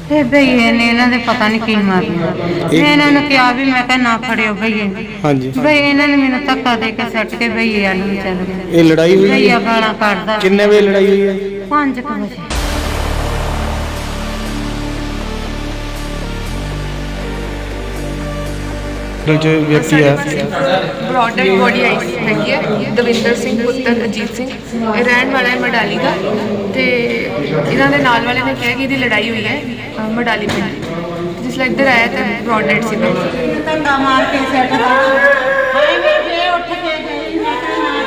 ਇਹ ਭਈਏ ਨੇ ਇਹਨਾਂ ਦੇ ਪਤਾ ਨਹੀਂ ਕੀ ਮਾਰਿਆ। ਮੈਂ ਇਹਨਾਂ ਨੂੰ ਕਿਹਾ ਵੀ ਮੈਂ ਕਿਹਾ ਨਾ ਫੜਿਓ ਭਈਏ। ਹਾਂਜੀ ਭਈ ਇਹਨਾਂ ਨੇ ਮੈਨੂੰ ਧੱਕਾ ਦੇ ਕੇ ਸੱਟ ਕੇ ਭਈਏ ਵੱਲ ਨੂੰ ਚੱਲ ਗਏ। ਇਹ ਲੜਾਈ ਹੋਈ ਭਈਆ ਗਾਲਾਂ ਕੱਢਦਾ। ਕਿੰਨੇ ਵਜੇ ਲੜਾਈ ਹੋਈ ਹੈ? 5 ਵਜੇ। जो व्यक्ति है ब्रॉड डेड बॉडी आई हैगी है दविंदर सिंह पुत्र अजीत सिंह ਇਹ ਰਹਿਣ ਵਾਲਾ ਹੈ ਮਡਾਲੀ ਦਾ ਤੇ ਇਹਨਾਂ ਦੇ ਨਾਲ ਵਾਲੇ ਨੇ ਕਿਹਾ ਕਿ ਇਹਦੀ ਲੜਾਈ ਹੋਈ ਹੈ ਮਡਾਲੀ ਪਿੰਡ ਜਿਸ ਲਈ ਇੱਧਰ ਆਇਆ ਤਾਂ ਬ੍ਰੌਡ ਡੈਡ ਸੀ। ਧੱਕਾ ਮਾਰ ਕੇ ਸੱਟ ਦਾ ਹਾਏ ਮੈਂ ਜੇ ਉੱਠ ਕੇ ਗਈ ਮੈਂ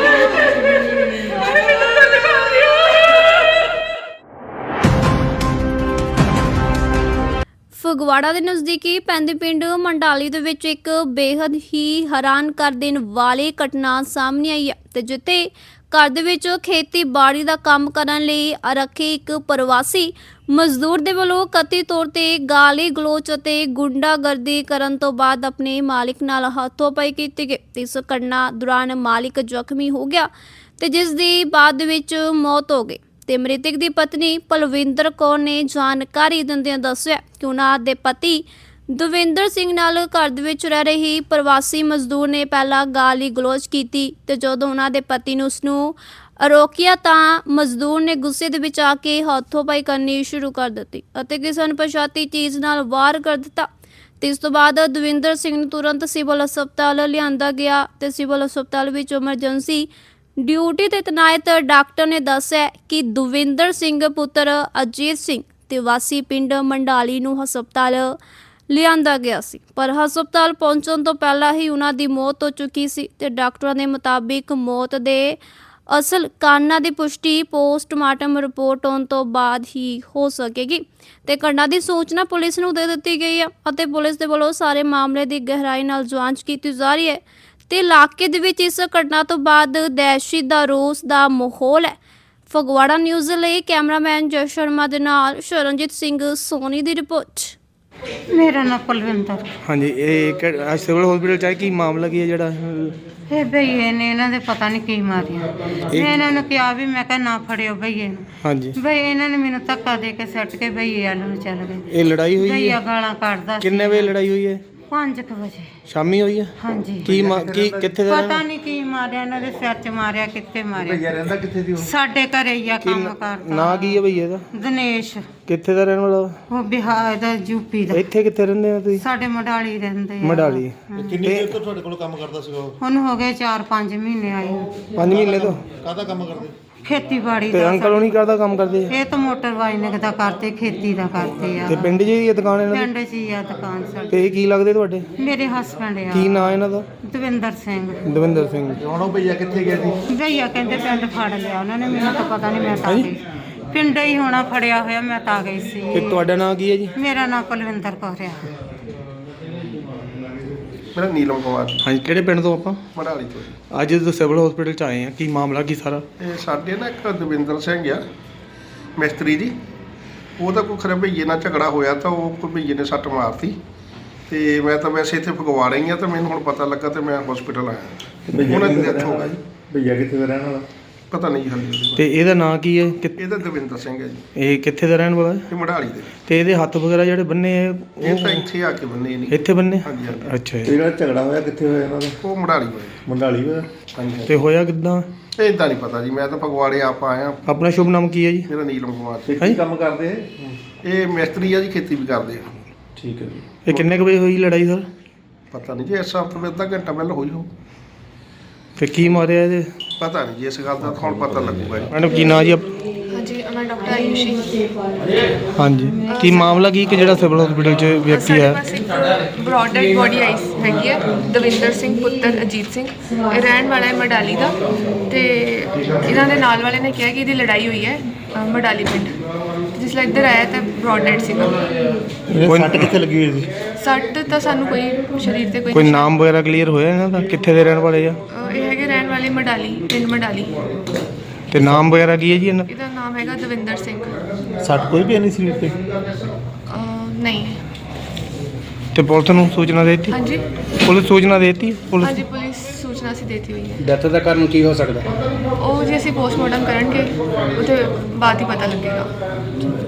ਫਗਵਾੜਾ ਦੇ ਨਜ਼ਦੀਕੀ ਪੈਂਦੇ ਪਿੰਡ ਮੰਡਾਲੀ ਦੇ ਵਿੱਚ ਇੱਕ ਬੇहद ਹੀ ਹੈਰਾਨ ਕਰ ਦੇਣ ਵਾਲੀ ਘਟਨਾ ਸਾਹਮਣੇ ਆਈ ਹੈ ਤੇ ਜਿੱਥੇ ਘਰ ਦੇ ਵਿੱਚ ਖੇਤੀਬਾੜੀ ਦਾ ਕੰਮ ਕਰਨ ਲਈ ਰੱਖੇ ਇੱਕ ਪ੍ਰਵਾਸੀ ਮਜ਼ਦੂਰ ਦੇ ਵੱਲੋਂ ਕਥਿਤ ਤੌਰ ਤੇ ਗਾਲੀ ਗਲੋਚ ਅਤੇ ਗੁੰਡਾਗਰਦੀ ਕਰਨ ਤੋਂ ਬਾਅਦ ਆਪਣੇ ਮਾਲਿਕ ਨਾਲ ਹੱਥੋਂ-ਪਾਈ ਕੀਤੀ ਗਈ। ਇਸ ਘਟਨਾ ਦੌਰਾਨ ਮਾਲਿਕ ਜ਼ਖਮੀ ਹੋ ਗਿਆ ਤੇ ਜਿਸ ਦੀ ਬਾਅਦ ਵਿੱਚ ਮੌਤ ਹੋ ਗਈ ਤੇ ਮ੍ਰਿਤਕ ਦੀ ਪਤਨੀ ਪਲਵਿੰਦਰ ਕੌਰ ਨੇ ਜਾਣਕਾਰੀ ਦਿੰਦਿਆਂ ਦੱਸਿਆ ਕਿ ਉਹਨਾਂ ਦੇ ਪਤੀ ਦਵਿੰਦਰ ਸਿੰਘ ਨਾਲ ਘਰ ਦੇ ਵਿੱਚ ਰਹਿ ਰਹੀ ਪ੍ਰਵਾਸੀ ਮਜ਼ਦੂਰ ਨੇ ਪਹਿਲਾਂ ਗਾਲੀ ਗਲੋਚ ਕੀਤੀ ਤੇ ਜਦੋਂ ਉਹਨਾਂ ਦੇ ਪਤੀ ਨੇ ਉਸ ਨੂੰ ਰੋਕਿਆ ਤਾਂ ਮਜ਼ਦੂਰ ਨੇ ਗੁੱਸੇ ਦੇ ਵਿੱਚ ਆ ਕੇ ਹੱਥੋਂ-ਪਾਈ ਕਰਨੀ ਸ਼ੁਰੂ ਕਰ ਦਿੱਤੀ ਅਤੇ ਕਿਸੇ ਅਣਪਛਾਤੀ ਚੀਜ਼ ਨਾਲ ਵਾਰ ਕਰ ਦਿੱਤਾ ਤੇ ਇਸ ਤੋਂ ਬਾਅਦ ਦਵਿੰਦਰ ਸਿੰਘ ਨੂੰ ਤੁਰੰਤ ਸਿਵਲ ਹਸਪਤਾਲ ਲਿਆਂਦਾ ਗਿਆ ਤੇ ਸਿਵਲ ਹਸਪਤਾਲ ਵਿੱਚ ਐਮਰਜੈਂਸੀ ਡਿਊਟੀ ਤੇ ਤੈਨਾਤ ਡਾਕਟਰ ਨੇ ਦੱਸਿਆ ਕਿ ਦਵਿੰਦਰ ਸਿੰਘ ਪੁੱਤਰ ਅਜੀਤ ਸਿੰਘ ਤੇ ਵਾਸੀ ਪਿੰਡ ਮੰਡਾਲੀ ਨੂੰ ਹਸਪਤਾਲ ਲਿਆਂਦਾ ਗਿਆ ਸੀ ਪਰ ਹਸਪਤਾਲ ਪਹੁੰਚਣ ਤੋਂ ਪਹਿਲਾਂ ਹੀ ਉਹਨਾਂ ਦੀ ਮੌਤ ਹੋ ਚੁੱਕੀ ਸੀ ਤੇ ਡਾਕਟਰਾਂ ਦੇ ਮੁਤਾਬਿਕ ਮੌਤ ਦੇ ਅਸਲ ਕਾਰਨਾਂ ਦੀ ਪੁਸ਼ਟੀ ਪੋਸਟਮਾਰਟਮ ਰਿਪੋਰਟ ਆਉਣ ਤੋਂ ਬਾਅਦ ਹੀ ਹੋ ਸਕੇਗੀ ਤੇ ਘਟਨਾ ਦੀ ਸੂਚਨਾ ਪੁਲਿਸ ਨੂੰ ਦੇ ਦਿੱਤੀ ਗਈ ਹੈ ਅਤੇ ਪੁਲਿਸ ਦੇ ਵੱਲੋਂ ਸਾਰੇ ਮਾਮਲੇ ਦੀ ਗਹਿਰਾਈ ਨਾਲ ਜਾਂਚ ਕੀਤੀ ਜਾ ਰਹੀ ਹੈ ਤੇ ਇਲਾਕੇ ਦੇ ਵਿੱਚ ਇਸ ਘਟਨਾ ਤੋਂ ਬਾਅਦ ਦਹਿਸ਼ਤ ਦਾ ਰੋਸ ਦਾ ਮਾਹੌਲ ਹੈ। ਫਗਵਾੜਾ ਨਿਊਜ਼ ਲਈ ਕੈਮਰਾਮੈਨ ਜੈ ਸ਼ਰਮਾ ਦੇ ਨਾਲ ਸ਼ਰਨਜੀਤ ਸਿੰਘ ਸੋਨੀ ਦੀ ਰਿਪੋਰਟ। ਮੇਰਾ ਨਾਮ ਪਲਵਿੰਦਰ। ਹਾਂਜੀ ਇਹ ਸਿਵਲ ਹਸਪੀਟਲ ਚ ਕੀ ਮਾਮਲਾ ਕੀ ਹੈ ਜਿਹੜਾ ਇਹ ਭਈਏ ਨੇ ਇਹਨਾਂ ਦੇ ਪਤਾ ਨਹੀਂ ਕੀ ਮਾਰਿਆ। ਮੈਂ ਇਹਨਾਂ ਨੂੰ ਕਿਹਾ ਵੀ ਮੈਂ ਕਿਹਾ ਨਾ ਫੜਿਓ ਭਈਏ ਨੂੰ। ਹਾਂਜੀ ਭਈ ਇਹਨਾਂ ਨੇ ਮੈਨੂੰ ਧੱਕਾ ਦੇ ਕੇ ਸੱਟ ਕੇ ਭਈਏ ਵੱਲ ਨੂੰ ਚੱਲ ਗਏ। ਇਹ ਲੜਾਈ ਹੋਈ ਭਈਆ ਹੈ? ਗਾਲਾਂ ਕੱਢਦਾ। ਕਿੰਨੇ ਵਜੇ ਲੜਾਈ ਹੋਈ ਹੈ? 5 ਵਜੇ ਸ਼ਾਮੀ ਹੋਈ ਹੈ? ਹਾਂਜੀ। ਕੀ ਕਿੱਥੇ ਦਾ ਪਤਾ ਨਹੀਂ ਕੀ ਮਾਰਿਆ ਇਹਨਾਂ ਦੇ ਸਿਰ 'ਚ ਮਾਰਿਆ ਕਿੱਥੇ ਮਾਰਿਆ। ਭਈਆ ਰਹਿੰਦਾ ਕਿੱਥੇ ਦੀ? ਸਾਡੇ ਘਰੇ ਹੀ ਆ ਕੰਮ ਕਰਦਾ। ਨਾਂ ਕੀ ਹੈ ਭਈਆ ਦਾ? ਦਿਨੇਸ਼। ਕਿੱਥੇ ਦਾ ਰਹਿਣ ਵਾਲਾ? ਉਹ ਬਿਹਾਰ ਦਾ ਯੂਪੀ ਦਾ। ਇੱਥੇ ਕਿੱਥੇ ਰਹਿੰਦੇ ਹੋ ਤੁਸੀਂ? ਸਾਡੇ ਮਡਾਲੀ ਰਹਿੰਦੇ ਆ। ਮਡਾਲੀ। ਕਿੰਨੀ ਦੇਰ ਤੋਂ ਤੁਹਾਡੇ ਕੋਲ ਕੰਮ ਕਰਦਾ ਸੀਗਾ ਉਹ? ਹੁਣ ਹੋ ਗਏ 4-5 ਮਹੀਨੇ ਆਏ ਨੂੰ। 5 ਮਹੀਨੇ ਤੋਂ ਕਾਹਦਾ ਕੰਮ ਕਰਦੇ? ਖੇਤੀਬਾੜੀ ਤੇ ਦਾ। ਅੰਕਲ ਨਹੀਂ ਕਰਦਾ ਕੰਮ ਕਰਦੇ? ਇਹ ਤਾਂ ਮੋਟਰ ਵਾਈਨਿੰਗ ਦਾ ਕਰਦੇ, ਖੇਤੀ ਦਾ ਕਰਦੇ ਆ। ਤੇ ਪਿੰਡ 'ਚ ਹੀ ਇਹ ਦੁਕਾਨ ਇਹਨਾਂ ਦੀ? ਪਿੰਡ 'ਚ ਹੀ ਆ ਦੁਕਾਨ ਸਾਡੀ। ਤੇ ਇਹ ਕੀ ਲੱਗਦੇ ਤੁਹਾਡੇ? ਮੇਰੇ ਹਸਬੰਡ ਆ। ਕੀ ਨਾਂ ਇਹਨਾਂ ਦਾ? ਦਵਿੰਦਰ ਸਿੰਘ। ਦਵਿੰਦਰ ਸਿੰਘ। ਹੁਣ ਉਹ ਭਈਆ ਕਿੱਥੇ ਗਿਆ ਸੀ? ਭਈਆ ਕਹਿੰਦੇ ਪਿੰਡ ਫੜ ਲਿਆ ਉਹਨਾਂ ਨੇ, ਮੈਨੂੰ ਤਾਂ ਪਤਾ ਨਹੀਂ, ਮੈਂ ਤਾਂ ਗਈ ਪਿੰਡ ਹੀ ਹੋਣਾ ਫੜਿਆ ਹੋਇਆ, ਮੈਂ ਤਾਂ ਗਈ ਸੀ। ਤੇ ਤੁਹਾਡਾ ਨਾਂ ਕੀ ਹੈ ਜੀ? ਮੇਰਾ ਨਾਮ ਕੁਲਵਿੰਦਰ ਕੌਰ ਆ। ਮੇਰਾ ਨੀਲਮ ਕੁਮਾਰ ਹਾਂਜੀ ਕਿਹੜੇ ਪਿੰਡ ਤੋਂ ਆਪਾਂ? ਮੜਾਲੀ ਤੋਂ। ਅੱਜ ਜਦੋਂ ਸਿਵਲ ਹਸਪੀਟਲ ਚ ਆਏ ਆ ਕੀ ਮਾਮਲਾ ਕੀ ਸਾਰਾ? ਇਹ ਸਾਡੇ ਨਾ ਇੱਕ ਦਵਿੰਦਰ ਸਿੰਘ ਆ ਮਿਸਤਰੀ ਜੀ, ਉਹਦਾ ਕੋਈ ਖਰੇ ਭਈਏ ਨਾਲ ਝਗੜਾ ਹੋਇਆ ਤਾਂ ਉਹ ਕੋਈ ਭਈਏ ਨੇ ਸੱਟ ਮਾਰਤੀ ਤੇ ਮੈਂ ਤਾਂ ਵੈਸੇ ਇੱਥੇ ਫਗਵਾੜਾ ਹੀ ਆ ਤਾਂ ਮੈਨੂੰ ਹੁਣ ਪਤਾ ਲੱਗਾ ਤੇ ਮੈਂ ਹਸਪੀਟਲ ਆਇਆ। ਉਹਨਾਂ ਦੀ ਡੈਥ ਹੋ ਗਈ। ਭਈਆ ਕਿੱਥੇ ਦਾ ਰਹਿਣ ਵਾਲਾ? ਪਤਾ ਨਹੀਂ ਹਾਲੇ। ਤੇ ਇਹਦਾ ਨਾਂ ਕੀ ਹੈ? ਇਹਦਾ ਦਵਿੰਦਰ ਸਿੰਘ ਹੈ ਜੀ। ਇਹ ਕਿੱਥੇ ਦਾ ਰਹਿਣ ਵਾਲਾ ਹੈ? ਇਹ ਮੜਾਲੀ ਦੇ। ਤੇ ਇਹਦੇ ਹੱਥ ਵਗੈਰਾ ਜਿਹੜੇ ਬੰਨੇ ਆ ਇਹ ਤਾਂ ਇੱਥੇ ਆ ਕੇ ਬੰਨੇ ਨਹੀਂ। ਇੱਥੇ ਬੰਨੇ? ਹਾਂਜੀ ਹਾਂਜੀ। ਅੱਛਾ ਇਹ ਜੀ। ਜਿਹੜਾ ਝਗੜਾ ਹੋਇਆ ਕਿੱਥੇ ਹੋਇਆ ਇਹਨਾਂ ਦਾ? ਉਹ ਮੜਾਲੀ ਹੋਇਆ। ਮੰਡਾਲੀ ਹੋਇਆ? ਹਾਂਜੀ। ਤੇ ਹੋਇਆ ਕਿੱਦਾਂ? ਇਦਾਂ ਨਹੀਂ ਪਤਾ ਜੀ, ਮੈਂ ਤਾਂ ਫਗਵਾੜੇ ਆਪ ਆਇਆ। ਆਪਣਾ ਸ਼ੁਭ ਨਾਮ ਕੀ ਹੈ ਜੀ? ਮੇਰਾ ਨੀਲਮ ਕੁਮਾਰ। ਤੇ ਕੀ ਕੰਮ ਕਰਦੇ ਇਹ? ਇਹ ਮਿਸਤਰੀ ਆ ਜੀ, ਖੇਤੀ ਵੀ ਕਰਦੇ ਆ। ਠੀਕ ਹੈ ਜੀ। ਇਹ ਕਿੰਨੇ ਕੁ ਵਜੇ ਹੋਈ ਲੜਾਈ ਸਰ? ਪਤਾ ਨਹੀਂ ਜੀ, ਇਸ ਹਫ਼ਤੇ ਵਿੱਚ ਅੱਧਾ ਘੰਟਾ ਪਹਿਲਾਂ ਹੋਈ ਹੋ। ਤੇ ਕੀ ਮਾਰਿਆ ਇਹਦੇ? ਪਤਾ ਨਹੀਂ ਜੀ, ਇਸ ਗੱਲ ਦਾ ਤਾਂ ਹੁਣ ਪਤਾ ਲੱਗੂਗਾ ਜੀ। ਮੈਡਮ ਕੀ ਨਾਂ ਜੀ? ਹਾਂਜੀ ਮੈਂ ਡਾਕਟਰ ਆਯੂਸ਼ੀ। ਹਾਂਜੀ ਕੀ ਮਾਮਲਾ ਕੀ ਕਿ ਜਿਹੜਾ ਸਿਵਲ ਹਸਪੀਟਲ ਚ ਵਿਅਕਤੀ ਸਾਡੇ ਹੈ? ਪਾਸ ਇੱਕ ਬ੍ਰੌਡ ਡੈਡ ਬੋਡੀ ਆਈ ਹੈਗੀ ਹੈ ਦਵਿੰਦਰ ਸਿੰਘ ਪੁੱਤਰ ਅਜੀਤ ਸਿੰਘ। ਇਹ ਰਹਿਣ ਵਾਲਾ ਹੈ ਮਡਾਲੀ ਦਾ ਤੇ ਇਹਨਾਂ ਦੇ ਨਾਲ ਵਾਲੇ ਨੇ ਕਿਹਾ ਕਿ ਇਹਦੀ ਲੜਾਈ ਹੋਈ ਹੈ ਮਡਾਲੀ ਪਿੰਡ ਜਿਸ ਲਈ ਇੱਧਰ ਆਇਆ ਤਾਂ ਬ੍ਰੌਡ ਡੈਡ ਸੀਗਾ। ਕੋਈ ਸੱਟ ਕਿੱਥੇ ਲੱਗੀ ਹੋਈ ਸੀ? ਸੱਟ ਤਾਂ ਸਾਨੂੰ ਕੋਈ ਸਰੀਰ ਤੇ ਕੋਈ ਨਾਮ ਵਗੈਰਾ ਕਲੀਅਰ ਹੋਇਆ ਇਹਨਾਂ ਦਾ? ਕਿੱਥੇ ਦੇ ਰਹਿਣ ਵਾਲੇ ਆ? ਇਹ ਹੈਗੇ ਰਹਿਣ ਵਾਲੇ ਮਡਾਲੀ ਪਿੰਡ ਮਡਾਲੀ। ਤੇ ਨਾਮ ਵਗੈਰਾ ਕੀ ਹੈ ਜੀ ਇਹਨਾਂ? ਇਹਦਾ ਨਾਮ ਹੈਗਾ ਦਵਿੰਦਰ ਸਿੰਘ। ਸੱਟ ਕੋਈ ਵੀ ਨਹੀਂ ਸੀ ਉੱਤੇ? ਨਹੀਂ। ਤੇ ਪੁਲਿਸ ਨੂੰ ਸੂਚਨਾ ਦੇ ਦਿੱਤੀ? ਹਾਂਜੀ ਪੁਲਿਸ ਸੂਚਨਾ ਦੇ ਦਿੱਤੀ? ਪੁਲਿਸ ਹਾਂਜੀ ਪੁਲਿਸ ਸੂਚਨਾ ਅਸੀਂ ਦੇਤੀ ਹੋਈ ਹੈ। ਡੈਥ ਦਾ ਕਾਰਨ ਕੀ ਹੋ ਸਕਦਾ? ਉਹ ਜੇ ਅਸੀਂ ਪੋਸਟਮਾਰਟਮ ਕਰਨਗੇ ਉਹਦੇ ਬਾਅਦ ਹੀ ਪਤਾ ਲੱਗੇਗਾ।